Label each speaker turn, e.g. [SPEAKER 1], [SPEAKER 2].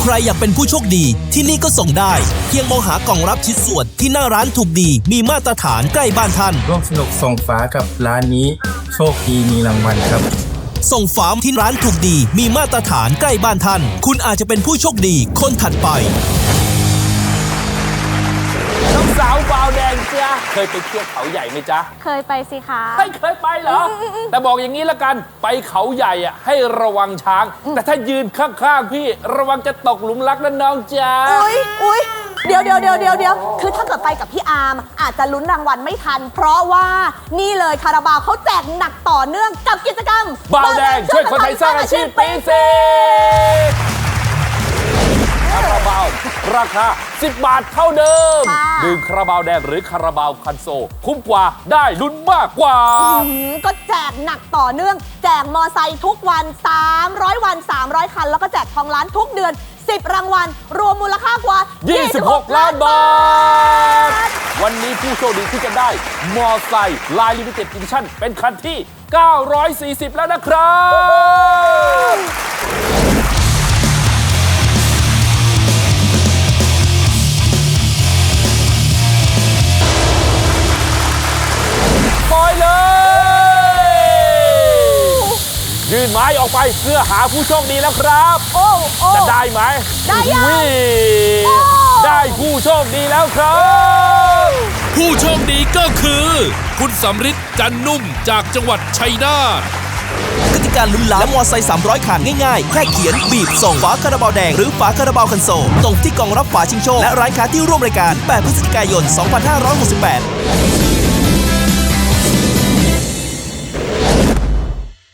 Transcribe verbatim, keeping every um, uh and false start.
[SPEAKER 1] ครอยากเป็นผู้โชคดีที่นี่ก็ส่งได้เพียงมองหากล่องรับชิ้นส่วนที่หน้าร้านถูกดีมีมาตรฐานใกล้บ้านท่าน
[SPEAKER 2] ร่วมสนุกส่งฝากับร้านนี้โชคดีมีรางวัลครับ
[SPEAKER 1] ส่งฝาที่ร้านถูกดีมีมาตรฐานใกล้บ้านท่านคุณอาจจะเป็นผู้โชคดีคนถัดไป
[SPEAKER 3] น้องสาวบาวแดงจ้าเคยไปเที่ยวเขาใหญ่ไหมจ๊ะ
[SPEAKER 4] เคยไปสิคะ
[SPEAKER 3] ไม่เคยไปเหรอแต่บอกอย่างนี้ละกันไปเขาใหญ่อ่ะให้ระวังช้างแต่ถ้ายืนข้างๆพี่ระวังจะตกหลุมรักนะน้องจ้า
[SPEAKER 4] อุ้ยอุ้ยเดี๋ยวเดี๋ยวเดี๋ยวเดี๋ยวเดี๋ยวคือถ้าเกิดไปกับพี่อาร์มอาจจะลุ้นรางวัลไม่ทันเพราะว่านี่เลยคาราบาวเขาแจกหนักต่อเนื่องกับกิจกรรม
[SPEAKER 3] บาวแดงช่วยคนไทยสร้างอาชีพปีเศษคาราบาวราคาสิบบาทเท่าเดิมดื่มคาราบาวแดงหรือคาราบาวคันโซคุ้มกว่าได้ลุ้นมากกว่า
[SPEAKER 4] ก็แจกหนักต่อเนื่องแจกมอไซค์ทุกวันสามร้อยวันสามร้อยคันแล้วก็แจกทองล้านทุกเดือนสิบรางวัลรวมมูลค่ากว่า
[SPEAKER 3] ยี่สิบหกล้านบาทวันนี้ผู้โชคดีที่จะได้มอไซค์ลายลิมิเต็ดอีดิชั่นเป็นคันที่เก้าร้อยสี่สิบแล้วนะครับปล่อยเลยยื่นไม้ออกไปเพื่อหาผู้โชคดีแล้วครับ
[SPEAKER 4] โอ้โอ้
[SPEAKER 3] จะได้ไหม
[SPEAKER 4] ได้ยัง
[SPEAKER 3] ได้ผู้โชคดีแล้วครับ
[SPEAKER 5] ผู้โชคดีก็คือคุณสำริดจันนุ่มจากจังหวัดชัยนาท
[SPEAKER 1] กติกาลุ้นล้านและมอไซค์สามร้อยคันง่ายๆแค่เขียนบีบส่งฝาคาราบาวแดงหรือฝาคาราบาวคันโซลตรงที่กล่องรับฝาชิงโชคและร้านค้าที่ร่วมรายการแปดพฤศจิกายนสองพันห้าร้อยหกสิบแปด